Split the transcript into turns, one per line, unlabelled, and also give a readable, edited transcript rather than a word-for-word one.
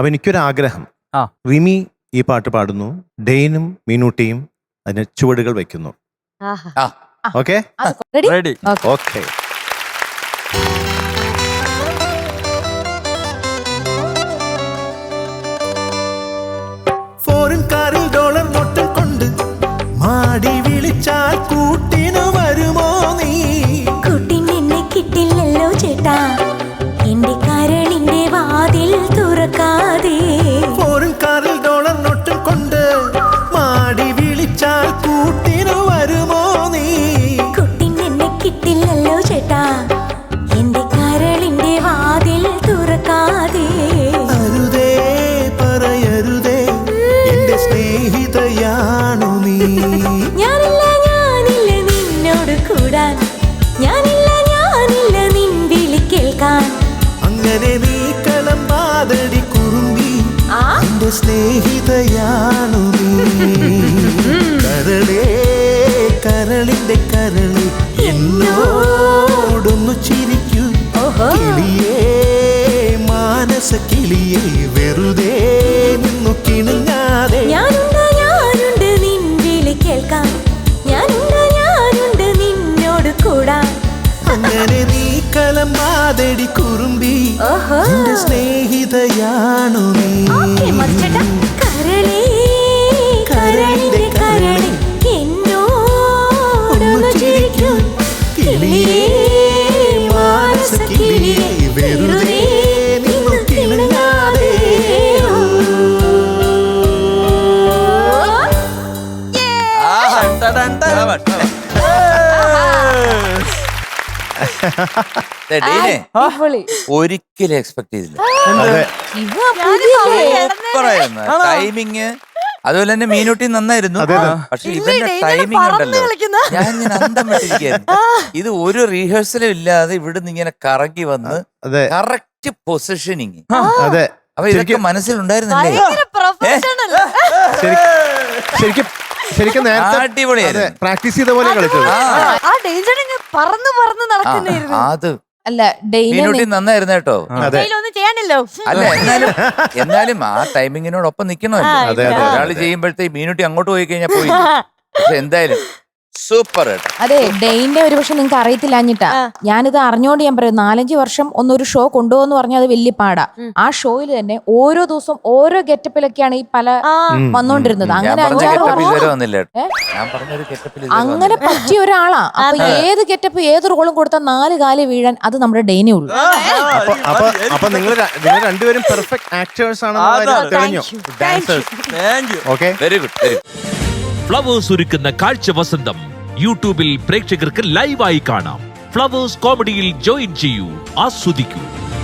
അപ്പൊ എനിക്കൊരാഗ്രഹം,
ആ.
റിമി ഈ പാട്ട് പാടുന്നു, ഡെയിനും മീനൂട്ടിയും അതിന് ചുവടുകൾ വെക്കുന്നു. Okay
ready.
ഓക്കെ.
ഫോറിൻ കാറിൽ ഡോളർ നോട്ടും കൊണ്ട് മാടി വിളിച്ചാൽ കൂട്ടിനു വരുമോ നീ?
കൂട്ടിനെന്നെ കിട്ടില്ലല്ലോ ചേട്ടാ, എന്റെ കരളിന്റെ വാതിൽ തുറക്കാതെ.
ഫോറിൻ കാറിൽ ഡോളർ നോട്ടും കൊണ്ട് മാടി വിളിച്ചാൽ കൂട്ടിനു വരുമോ നീ?
കൂട്ടിനെന്നെ കിട്ടില്ലല്ലോ ചേട്ടാ, എന്റെ കരളിന്റെ വാതിൽ തുറക്കാതെ.
അരുതേ പറയരുതേ, എന്റെ സ്നേഹിതയാണു നീ.
ഞാനില്ല നിന്നോട് കൂടാൻ, ഞാനില്ല നിൻ വിളി കേൾക്കാൻ.
അങ്ങനെ നീ കളമ്പാതടി കുറുമ്പി, എന്റെ സ്നേഹിതയാണു നീ. കരളേ കരളിന്റെ കരളി, എന്നോടൊന്നു ചിരിക്കൂ. കിളിയേ മാനസ കിളിയേ, വെറുതെ നിന്നു കിണുങ്ങാതെ.
ഞാനുണ്ട് നിൻ വിളി കേൾക്കാൻ, ഞാനുണ്ട് നിന്നോട് കൂടാൻ.
അങ്ങനെ നീ കളമ്പാതടി കുറുമ്പി, എന്റെ സ്നേഹിതയാണു നീ.
കരളേ കരളിന്റെ കരളി, എന്നോടൊന്നു ചിരിക്കൂ. കിളിയേ മാനസ കിളിയേ, വെറുതെ നിന്നു കിണുങ്ങാതെ.
ഒരിക്കലും എക്സ്പെക്ട് ചെയ്തില്ല. ടൈമിങ് അതുപോലെ തന്നെ മീനൂട്ടി നന്നായിരുന്നു. പക്ഷെ ഇവന്റെ ടൈമിംഗ് ഉണ്ടല്ലോ, ഞാൻ ഇങ്ങനെ അന്തം വിട്ടിരിക്കുന്നു. ഇത് ഒരു റിഹേഴ്സലും ഇല്ലാതെ ഇവിടുന്ന് ഇങ്ങനെ കറങ്ങി വന്ന് കറക്റ്റ് പൊസിഷനിങ്. അപ്പൊ ഇതൊക്കെ മനസ്സിലുണ്ടായിരുന്നില്ലേ?
ശരിക്കും
അടിപൊളിയായിരുന്നു.
പ്രാക്ടീസ് ചെയ്ത പോലെ കളിച്ചത്.
അത്
അല്ല,
മീനൂട്ടി നന്നായിരുന്നു കേട്ടോ. അല്ല എന്നാലും ആ ടൈമിങ്ങിനോടൊപ്പം നിക്കണമല്ലോ. ഒരാള് ചെയ്യുമ്പോഴത്തേക്ക് മീനൂട്ടി അങ്ങോട്ട് പോയി കഴിഞ്ഞാൽ പോയി. പക്ഷെ എന്തായാലും സൂപ്പർ.
അതെ, ഡെയിന്റെ ഒരു പക്ഷെ നിങ്ങൾക്ക് അറിയത്തില്ലാഞ്ഞിട്ടാ. ഞാനിത് അറിഞ്ഞോണ്ട് ഞാൻ പറയും, 4-5 വർഷം ഒന്നൊരു ഷോ കൊണ്ടുപോകുന്ന പറഞ്ഞാൽ അത് വലിയ പാടാ. ആ ഷോയിൽ തന്നെ ഓരോ ദിവസം ഓരോ ഗെറ്റപ്പിലൊക്കെയാണ് ഈ പല വന്നോണ്ടിരുന്നത്. അങ്ങനെ 5-6 അങ്ങനെ പറ്റിയ ഒരാളാ. അപ്പൊ ഏത് ഗെറ്റപ്പ് ഏത് റോളും കൊടുത്താൽ 4 കാല് വീഴാൻ അത് നമ്മുടെ ഡെയിനേ ഉള്ളൂ.
അപ്പൊ നിങ്ങൾ രണ്ടുപേരും പെർഫെക്റ്റ് ആക്ടേഴ്സ് ആണെന്ന് തെളിഞ്ഞു.
Very good.
ഫ്ലവേഴ്സ് ഒരുക്കുന്ന കാഴ്ച വസന്തം യൂട്യൂബിൽ പ്രേക്ഷകർക്ക് ലൈവായി കാണാം. ഫ്ലവേഴ്സ് കോമഡിയിൽ ജോയിൻ ചെയ്യൂ, ആസ്വദിക്കൂ.